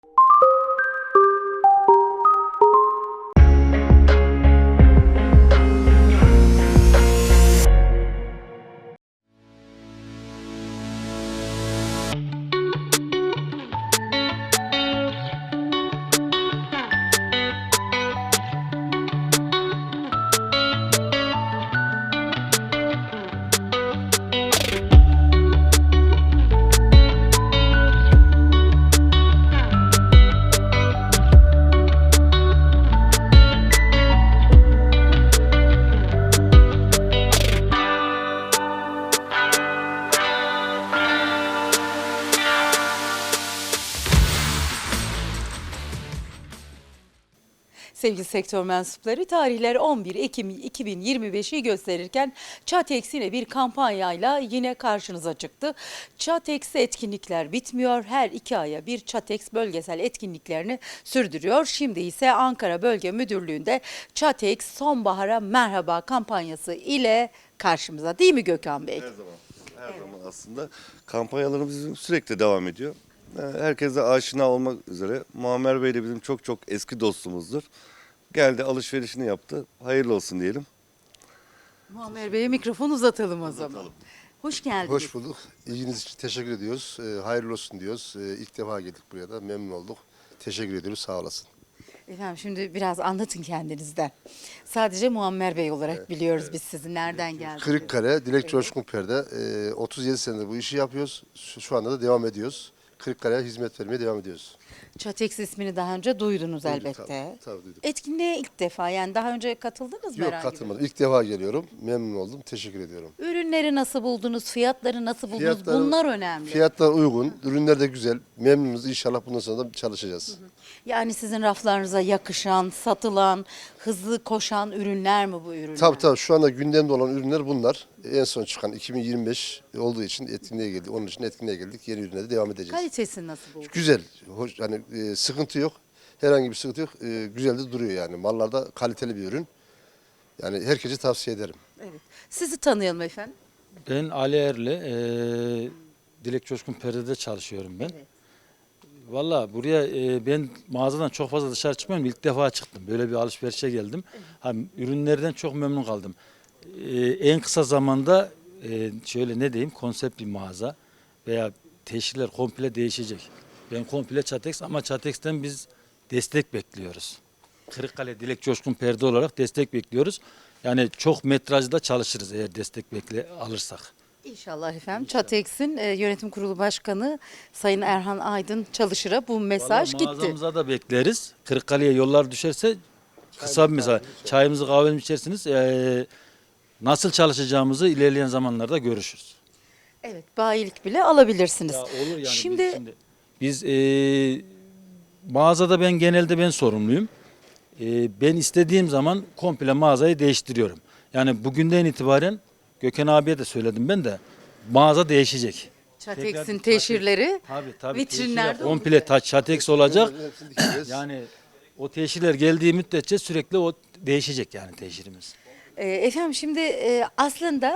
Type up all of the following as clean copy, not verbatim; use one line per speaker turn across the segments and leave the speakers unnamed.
Sevgili sektör mensupları, tarihler 11 Ekim 2025'i gösterirken Çatex yine bir kampanyayla yine karşınıza çıktı. Çatex'te etkinlikler bitmiyor. Her 2 aya bir Çatex bölgesel etkinliklerini sürdürüyor. Şimdi ise Ankara Bölge Müdürlüğü'nde Çatex Sonbahara Merhaba kampanyası ile karşımıza, değil mi Gökhan Bey?
Her zaman aslında kampanyalarımız bizim sürekli devam ediyor. Herkese aşina olmak üzere Muammer Bey de bizim çok eski dostumuzdur. Geldi, alışverişini yaptı. Hayırlı olsun diyelim.
Muammer Bey'e mikrofon uzatalım o zaman. Hoş geldiniz.
Hoş bulduk. İlginiz için teşekkür ediyoruz. Hayırlı olsun diyoruz. İlk defa geldik buraya da. Memnun olduk. Teşekkür ediyoruz. Sağ olasın.
Efendim şimdi biraz anlatın kendinizden. Sadece Muammer Bey olarak biliyoruz biz sizi. Nereden geldiniz?
Kırıkkale, Dilek Coşkun Per'de 37 senedir bu işi yapıyoruz. Şu anda da devam ediyoruz. Kırıkkale'ye hizmet vermeye devam ediyoruz.
Çatex ismini daha önce duydunuz elbette.
Tabii duyduk.
Etkinliğe ilk defa, yani daha önce katıldınız mı
Yok,
herhangi bir?
katılmadım. İlk defa geliyorum. Memnun oldum. Teşekkür ediyorum.
Ürünleri nasıl buldunuz? Fiyatları nasıl buldunuz? Bunlar önemli.
Fiyatlar uygun. Ürünler de güzel. Memnunuz. İnşallah bundan sonra da çalışacağız.
Yani sizin raflarınıza yakışan, satılan, hızlı koşan ürünler mi bu ürünler?
Tabii şu anda gündemde olan ürünler bunlar. En son çıkan 2025 olduğu için etkinliğe geldik. Onun için etkinliğe geldik. Yeni ürüne de devam edeceğiz.
Kalitesi nasıl buldunuz?
Güzel. Hoş, hani sıkıntı yok. Herhangi bir sıkıntı yok. Güzel de duruyor yani. Mallarda kaliteli bir ürün. Yani herkese tavsiye ederim.
Evet. Sizi tanıyalım efendim.
Ben Ali Erli, Dilek Coşkun Perde'de çalışıyorum ben.
Evet.
Valla buraya ben mağazadan çok fazla dışarı çıkmıyorum. İlk defa çıktım. Böyle bir alışverişe geldim. Ürünlerden çok memnun kaldım. En kısa zamanda şöyle ne diyeyim, konsept bir mağaza veya teşhirler komple değişecek. Ben komple Çatex ama Çatex'ten biz destek bekliyoruz. Kırıkkale Dilek Coşkun Perde olarak destek bekliyoruz. Yani çok metrajda çalışırız eğer destek alırsak.
İnşallah efendim. Çatex'in yönetim kurulu başkanı Sayın Erhan Aydın Çalışır'a bu mesaj
Vallahi
gitti.
mağazamıza da bekleriz. Kırıkkale'ye yollar düşerse kısa bir mesaj. Çayımızı kahvemizi içersiniz. Nasıl çalışacağımızı ilerleyen zamanlarda görüşürüz.
Evet, bayilik bile alabilirsiniz.
Ya olur yani.
Şimdi
Biz mağazada genelde ben sorumluyum. Ben istediğim zaman komple mağazayı değiştiriyorum. Yani bugünden itibaren Gökhan abiye de söyledim ben de, mağaza değişecek.
Çatex'in teşhirleri
Tabii,
vitrinlerde
teşhirler komple Çatex olacak.
Hepsini dikeceğiz.
Yani o teşhirler geldiği müddetçe sürekli o değişecek yani teşhirimiz.
Efendim şimdi aslında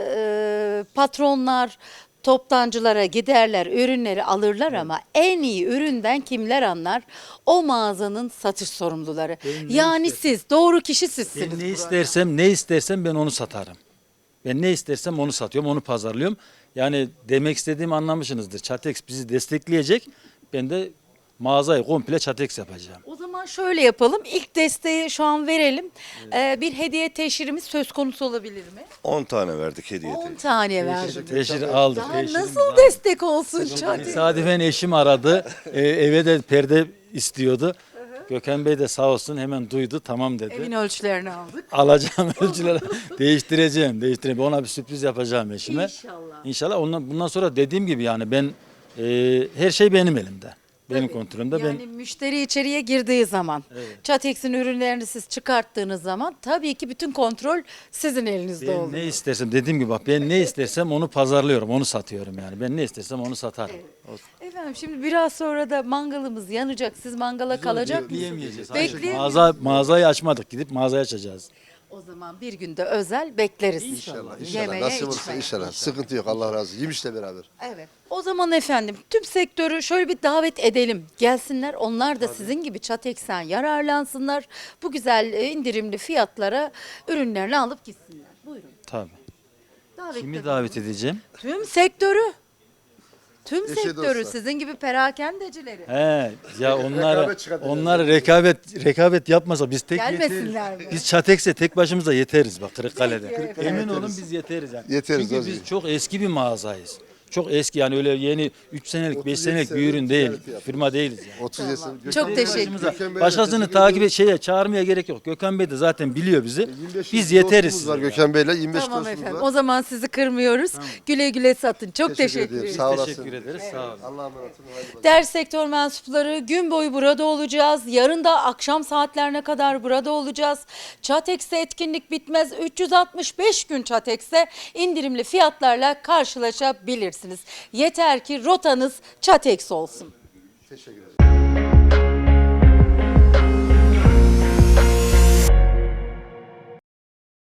patronlar toptancılara giderler, ürünleri alırlar ama en iyi üründen kimler anlar? O mağazanın satış sorumluları. Yani siz, doğru kişi sizsiniz.
Ben ne istersem ben onu satarım. Ben ne istersem onu satıyorum, onu pazarlıyorum. Yani demek istediğimi anlamışsınızdır. Çatex bizi destekleyecek. Ben de mağazayı komple Çatex yapacağım.
O zaman şöyle yapalım. İlk desteği şu an verelim. Bir hediye teşhirimiz söz konusu olabilir mi?
10 tane verdik hediye.
10 tane verdim.
Teşhir aldık.
Daha
teşhirimizi
nasıl
aldık.
destek olsun Çatex?
Tesadüfen eşim aradı. Eve de perde istiyordu. Gökhan Bey de sağ olsun hemen duydu, tamam dedi.
Evin ölçülerini aldık.
Alacağım ölçüleri değiştireceğim. Ona bir sürpriz yapacağım eşime.
İnşallah.
İnşallah bundan sonra dediğim gibi yani ben her şey benim elimde. Benim kontrolümde.
Yani müşteri içeriye girdiği zaman, Çatex'in ürünlerini siz çıkarttığınız zaman tabii ki bütün kontrol sizin elinizde
Ben
oluyor.
ne istersem, dediğim gibi bak, ben ne istersem onu pazarlıyorum, onu satıyorum yani. Ben ne istersem onu satarım.
Efendim şimdi biraz sonra da mangalımız yanacak. Siz mangala kalacak mısınız?
Bekleyemeyeceğiz.
Bekleyemeyeceğiz.
Mağazayı açmadık, gidip mağazayı açacağız.
O zaman bir günde özel bekleriz.
İnşallah.
Yemeğe,
Nasip olursa
içmeye.
inşallah. Sıkıntı yok. Allah razı olsun. Yemişle beraber.
Evet. O zaman efendim tüm sektörü şöyle bir davet edelim. Gelsinler onlar da sizin gibi Çatek'sen yararlansınlar. Bu güzel indirimli fiyatlara ürünlerini alıp gitsinler. Buyurun.
Tabii.
Davet
Kimi
edelim.
davet edeceğim?
Tüm sektörü. Tüm
Eşe
sektörü
dostlar.
sizin gibi perakendecileri.
He, ya
Rekabet çıkartacağız.
onları rekabet yapmasa biz tek
Gelmesinler
yeteriz.
mi?
Biz Çatekse tek başımıza yeteriz bak Kırıkkale'de.
Peki efendim.
Emin olun biz yeteriz yani.
Yeteriz,
Çünkü
o
biz
zaman.
çok eski bir mağazayız. Çok eski yani öyle yeni 3 senelik 5 senelik bir ürün değil. Firma değiliz yani.
30 yaşında.
Çok teşekkür
Başımıza,
Gökhan Bey'le
başkasını
teşekkür
takip çağırmaya gerek yok. Gökhan Bey de zaten biliyor bizi.
25
Biz
dostumuz
yeteriz
var
size. yani.
Gökhan Bey'le 25
Tamam
dostumuz
efendim.
var.
O zaman sizi kırmıyoruz. Güle güle satın. Çok teşekkür
ediyorum.
ederim.
Sağ olasın.
Teşekkür ederiz. Sağ olun.
Allah'a emanet olun. Haydi bakalım.
Değerli sektör mensupları gün boyu burada olacağız. Yarın da akşam saatlerine kadar burada olacağız. Çatex'te etkinlik bitmez. 365 gün Çatex'te indirimli fiyatlarla karşılaşabilirsiniz. Yeter ki rotanız Çatex olsun.
Teşekkür ederim.